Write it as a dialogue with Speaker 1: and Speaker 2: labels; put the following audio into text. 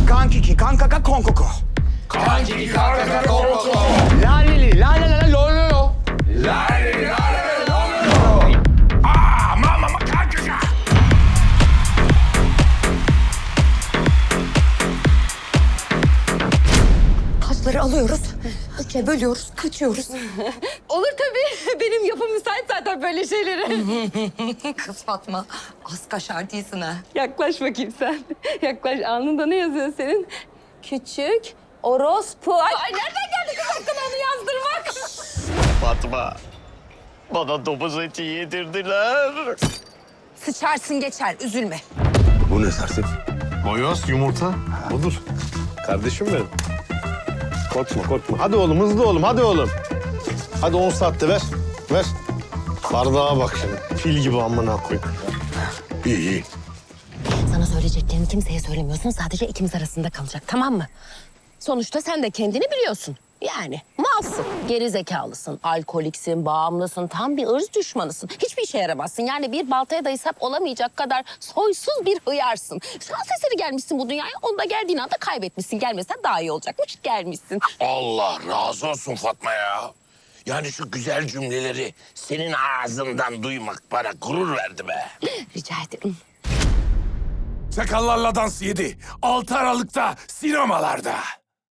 Speaker 1: Kankiki, kankaka, konkoko.
Speaker 2: Kankiki kankaka konkoko.
Speaker 1: La li la la la la lo lo lo.
Speaker 2: La la la la. Aa mama kankaka.
Speaker 3: Taşları alıyoruz, üçe bölüyoruz, kaçıyoruz.
Speaker 4: Olur tabii. Benim yapım müsait zaten böyle şeylere.
Speaker 3: Kız Fatma, az kaşar değilsin ha.
Speaker 4: Yaklaş bakayım sen. Yaklaş. Alnında ne yazıyor senin? Küçük orospu. Ay nereden geldi kız aklına onu yazdırmak?
Speaker 5: Fatma, bana domuz eti yedirdiler.
Speaker 3: Sıçarsın geçer, üzülme.
Speaker 6: Bu ne Serset?
Speaker 5: Boyoz, yumurta.
Speaker 6: Budur. Kardeşim benim. Korkma korkma. Hadi oğlum hızlı oğlum hadi oğlum. Hadi 10 saatte ver. Ver. Bardağa bak şimdi. Fil gibi amına koy. İyi iyi.
Speaker 3: Sana söyleyeceklerini kimseye söylemiyorsun, sadece ikimiz arasında kalacak, tamam mı? Sonuçta sen de kendini biliyorsun. Yani malsın, geri zekalısın, alkoliksin, bağımlısın, tam bir ırz düşmanısın. Hiçbir işe yaramazsın. Yani bir baltaya da hesap olamayacak kadar soysuz bir hıyarsın. Şans eseri gelmişsin bu dünyaya, onu da geldiğin anda kaybetmişsin. Gelmesen daha iyi olacakmış, gelmişsin.
Speaker 2: Allah razı olsun Fatma ya. Yani şu güzel cümleleri senin ağzından duymak bana gurur verdi be.
Speaker 3: Rica ederim.
Speaker 2: Sakallarla Dans 7, 6 Aralık'ta sinemalarda.